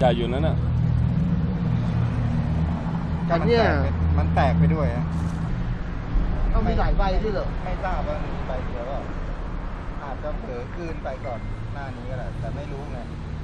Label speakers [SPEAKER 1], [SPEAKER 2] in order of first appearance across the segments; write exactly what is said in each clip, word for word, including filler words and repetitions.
[SPEAKER 1] ญ่อยู่นั่นน่ะ
[SPEAKER 2] แต่เนี่ย
[SPEAKER 3] มันแตกไปด้วยนะ
[SPEAKER 2] ต้องมีหลายใบที่เหรอ
[SPEAKER 3] ไม่ทราบว่ามีใบเดียวก็อาจจะเผลอคืนไปก่อนหน้านี้ก็ได้แต่ไม่รู้ไง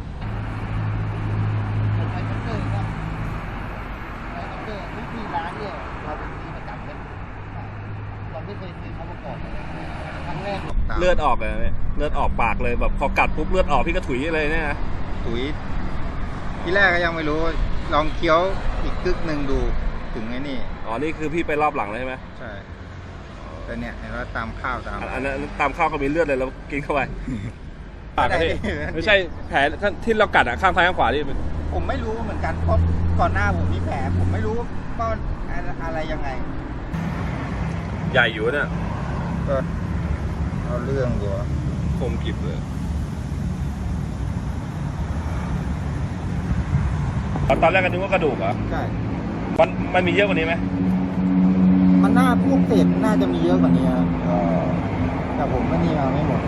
[SPEAKER 2] เป็นไฟคัตเตอร์ครับไฟคัตเตอร์ที่ที่ร้านเนี่ยเราเป็นที่ประจำเลยเราไม่เคยซื้อเขามาก่อนครั้งแรก
[SPEAKER 1] เลือดออกเลยเลือดออกปากเลยแบบพอกัดปุ๊บเลือดออกพี่ก็ถุยเลยเนี่ยนะ
[SPEAKER 3] ถุยที่แรกก็ยังไม่รู้ลองเคี้ยวอีกกึกหนึ่งดูถึงไอ้นี่
[SPEAKER 1] อ๋อนี่คือพี่ไปรอบหลังเลยใช่ไหม
[SPEAKER 3] ใช่แต่เนี่ยเห็นว่าตามข้าวตาม
[SPEAKER 1] อันนั้นตามข้าวก็มีเลือดเลยแล้วกินเข้าไปปากพี่ไม่ใช่แผลที่เรากัดอ่ะข้างซ้ายข้างขวาที่
[SPEAKER 3] ผมไม่รู้เหมือนกันเพราะก่อนหน้าผมมีแผลผมไม่รู้ว่าอะไรยังไง
[SPEAKER 1] ใหญ่อยู่เนี่ย
[SPEAKER 3] ก็เอาเรื่องดู
[SPEAKER 1] คมกริบเลยตอนแรกก็นึกว่ากระดูกเหรอ
[SPEAKER 3] ใช่
[SPEAKER 1] มันมันมีเยอะกว่านี้ไหม
[SPEAKER 3] มันน่าพวกเศษน่าจะมีเยอะกว่านี้ครับแต่ผมไม่มีมาไม่หมด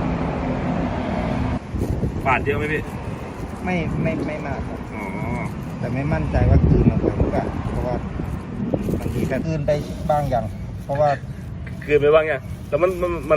[SPEAKER 1] บาดเยอะไหมพี่
[SPEAKER 3] ไม่ไม่ไม่มากครับ
[SPEAKER 1] อ๋อ
[SPEAKER 3] แต่ไม่มั่นใจว่าคืนลงไปหรือเปล่าเพราะว่ามันมีแต่คืนไปบ้างอย่างเพราะว่า
[SPEAKER 1] คืนไปบ้างอย่างแต่มันมันมัน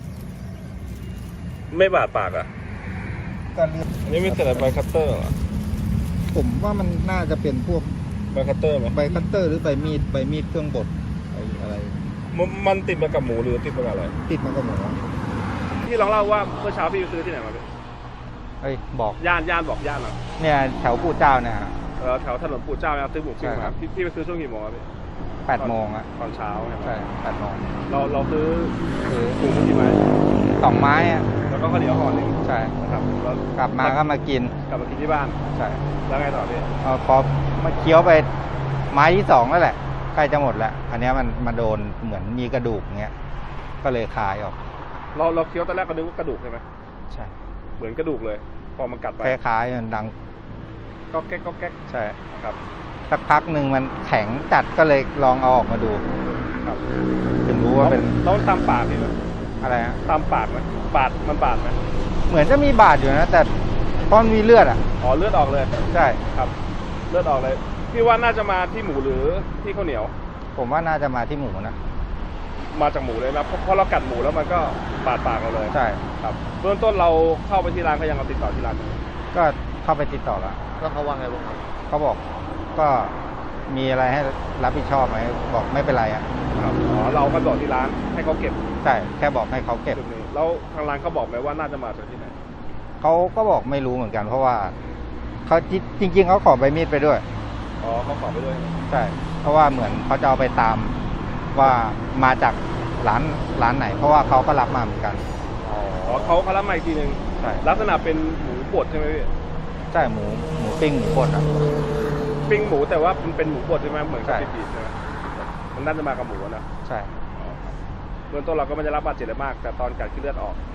[SPEAKER 1] ไม่บาดปากอ่ะ
[SPEAKER 3] ก็เลือด
[SPEAKER 1] นี่ไม่เสร็จใบคัตเตอร์เหรอ
[SPEAKER 3] ผมว่ามันน่าจะเป็นพวก
[SPEAKER 1] ใบคัตเตอร์ไหม
[SPEAKER 3] ใบคัตเตอร์หรือใบมีดใบมีดเครื่องบดอะไร
[SPEAKER 1] มันมันติดมากับหมูหรือติดมากับอะไร
[SPEAKER 3] ติดมากับหมู
[SPEAKER 1] พี่ลองเล่าว่าเมื่อเช้าพี่ไปซื้อที่ไหนมาพี่
[SPEAKER 3] เฮ้ยบอก
[SPEAKER 1] ย่านย่านบอกย่านอ่ะ
[SPEAKER 3] เนี่ยแถวปู่เจ้าเนี่ย
[SPEAKER 1] เออแถวถนนปู่เจ้าเนี่ยซื้อหมูปิ้งมาพี่พี่ไปซื้อช่วงกี่โมงครับพี่
[SPEAKER 3] แปดโมงอ่ะ
[SPEAKER 1] ตอนเช้า
[SPEAKER 3] ใช่แปดโมง
[SPEAKER 1] เราเราซื้อ
[SPEAKER 3] ซื้อ
[SPEAKER 1] หมูกี่ไม้
[SPEAKER 3] สองไม้อ่ะ
[SPEAKER 1] แล้วก็ข้าวเหนียวห่อหนึ่ง
[SPEAKER 3] ใช่
[SPEAKER 1] นะครับแล้ว
[SPEAKER 3] กลับมาก็มากิน
[SPEAKER 1] กลับมากินที่บ้าน
[SPEAKER 3] ใช่
[SPEAKER 1] แล้วไงต่อพี่
[SPEAKER 3] พอมาเคี้ยวไปไม้ที่สองแล้วแหละใกล้จะหมดแล้วอันนี้มันมาโดนเหมือนมีกระดูกเงี้ยก็เลยคายออก
[SPEAKER 1] เราเราเคี้ยวตอนแรกก็นึกว่ากระดูกใช่ไหม
[SPEAKER 3] ใช่
[SPEAKER 1] เหมือนกระดูกเลยพอมันกัดไป
[SPEAKER 3] คล้ายๆมันดัง
[SPEAKER 1] ก็แก๊กก็แก๊ก
[SPEAKER 3] ใช่
[SPEAKER 1] ครับ
[SPEAKER 3] สักพักหนึ่งมันแข็งจัดก็เลยลองเอาออกมาดู
[SPEAKER 1] ครับ
[SPEAKER 3] ถึงรู้ว่าเป็น
[SPEAKER 1] ต้องตามปากนี่ไหม
[SPEAKER 3] อะไรฮะ
[SPEAKER 1] ตามปากไหมบาดมันบาดไหม
[SPEAKER 3] เหมือนจะมีบาดอยู่นะแต่เพราะมันมีเลือดอ่ะ
[SPEAKER 1] อ๋อเลือดออกเลย
[SPEAKER 3] ใช่
[SPEAKER 1] ครับเลือดออกเลยพี่ว่าน่าจะมาที่หมูหรือที่ข้าวเหนียว
[SPEAKER 3] ผมว่าน่าจะมาที่หมูนะ
[SPEAKER 1] มาจากหมูเลยนะเพราะเรากัดหมูแล้วมันก็บาดปากเราเลย
[SPEAKER 3] ใช่
[SPEAKER 1] ครับเบื้องต้นเราเข้าไปที่ร้านเขายังเอาติดต่อที่ร้าน
[SPEAKER 3] ก็เข้าไปติดต่อแล้ว
[SPEAKER 2] แล้วเขาว่าไงบ้างครับ
[SPEAKER 3] เขาบอกก็มีอะไรให้รับผิดชอบไหมบอกไม่เป็นไรอ่ะ
[SPEAKER 1] ครับอ๋อเราก็บอกที่ร้านให้เขาเก็บ
[SPEAKER 3] ใช่แค่บอกให้เขาเก็บ
[SPEAKER 1] แล้วทางร้านเขาบอกไหมว่าน่าจะมาจากที่ไหน
[SPEAKER 3] เขาก็บอกไม่รู้เหมือนกันเพราะว่าเขาจริงๆเขาขอใบมีดไปด้วย
[SPEAKER 1] อ๋อเขาขอไปด้วย
[SPEAKER 3] ใช่เพราะว่าเหมือนเขาจะเอาไปตามว่ามาจากร้านร้านไหนเพราะว่าเขาก็รับมาเหมือนกัน
[SPEAKER 1] อ๋อเขาเขารับมาอีกทีนึง
[SPEAKER 3] ใช่
[SPEAKER 1] ลักษณะเป็นหมูบดใช่ไหมพี่
[SPEAKER 3] ใช่หมูหมูปิ้งหมูบดอ่ะ
[SPEAKER 1] ปิ้งหมูแต่ว่ามันเป็นหมูบดใช่ไหมเหมือนกับปีกใช่ไหมมันน่าจะมากับหมูนะ
[SPEAKER 3] ใช่
[SPEAKER 1] เบื้องต้นเราก็ไม่ได้รับบาดเจ็บอะไรมากแต่ตอนกัดขึ้นเลือดออก